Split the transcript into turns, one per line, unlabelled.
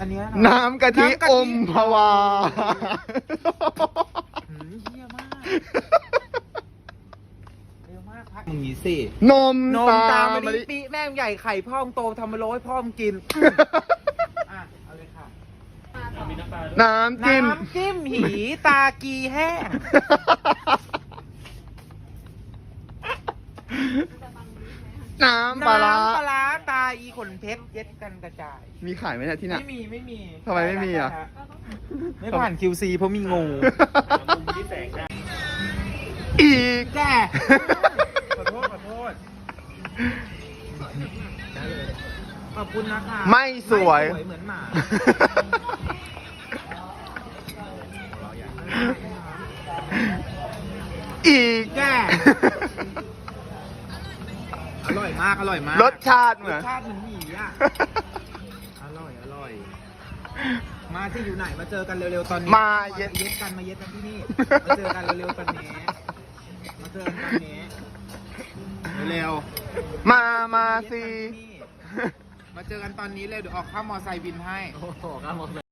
เนี้ย
น้ำกะทิอมพวา
เยี่ยมากเร็วมากพักมึงนี้สิ
นม
นมตาม
มะ
มา
ลิ
ดิปีแม่งใหญ่ไข่พ่อมโตทำมาโรยให้พ่อมกินอ่ะเอาเลยค่ะ
น้ำจิ้ม
น้ำจิ้มหีตากีแห้ง
น้ำปลาร้า
น้ำปลาร้าตาอีขนเพชรเย็ดกันกระจาย
มีขายไหมเนี่ยที่เนี่ย
ไม่มี
ทำไมไม่มีอ่ะ
ไม่ผ่าน QC เพราะมีงู
อีก
แกขอโทษขอบคุณนะคะ
ไม่สวย
เหมือนหมา
อีก
แกอร่อยมาก
รสชาติเห
ร
มื
ส
อน
ชาติเหมือนหมีอ่ะ อร่อย มาที่อยู่ไหนมาเจอกันเร็วๆตอนนี้
มาเย็ด
เย็ดกันที่นี่ มาเจอกันเร็วๆตอนนี้ เร็ว
มาสิ
มาเจอกันตอนนี้เลยเดี๋ยวออกข้ามมอไซค์บินให้